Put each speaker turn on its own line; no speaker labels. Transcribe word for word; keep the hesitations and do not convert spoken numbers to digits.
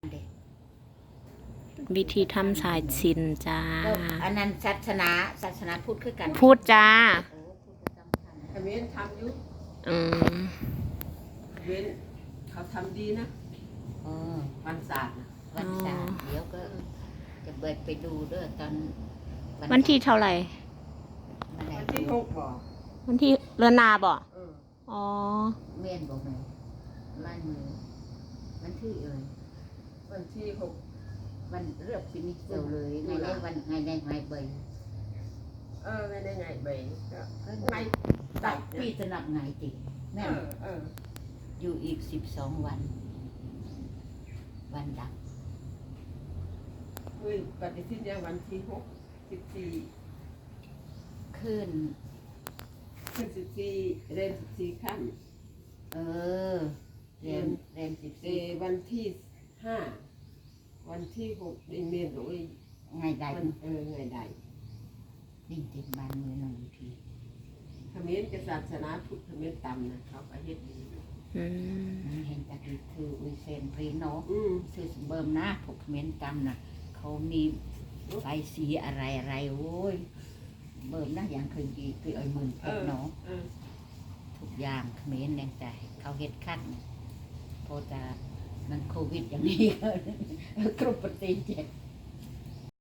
วิธีทำสายสิญจน์จ้า
อันนั้นศาสนาศาสนาพุทธคือกัน
พูดจ้า
แต่เว้นทำอยู่
อืม
เว้นเขาทำดีนะ
เออ
วันศาสตร์
วันศาสตร์เดี๋ยวก็จะเบิดไปดูเด้อตอน
วันที่เท่าไหร่
วันที่หกบ่
วันที่เรือนนาบ่อ๋อ
เมียนบอกไหมลายมือวันที่เอ่ย
วันที่หก
วันเลือกฟินิชเซลเลยไงได้วันไงได้ไงใบ
เออไงได้ไงใบก็ไง
ตัดปีสนับไงจริงแม่
เออ
อยู่อีกสิบสองวันวันดับ
เฮ้ยปฏิทินยังวันที่หกสิบสี่
ขึ้น
ขึ้นสิบสี่เรียนสิบสี่ขั้น
เออเรียนเรียนสิบสี่
วันที่ห้าวันที่หกดิเมนโอ้ย
ไงใด
เออไงใด
ดิ่งติดบ้านเมืองหนึ่งที
เขมรกับศาสนาพุทธเขมรต่ำนะเขาไปเฮ็ดดี
อืมเห็นจากนี้คืออุยเซนพรีโนคือสมเบิมนะพวกเขมรต่ำนะเขามีไฟสีอะไรอะไรโอ้ยเบิ่มนะอย่างเคยกีคือเอามือเพชรเนาะทุกอย่างเขมรแรงใจเขาเฮ็ดขั้นพอจะมันโควิดอย่างนี้ก็กรุบปฏิเจ็บ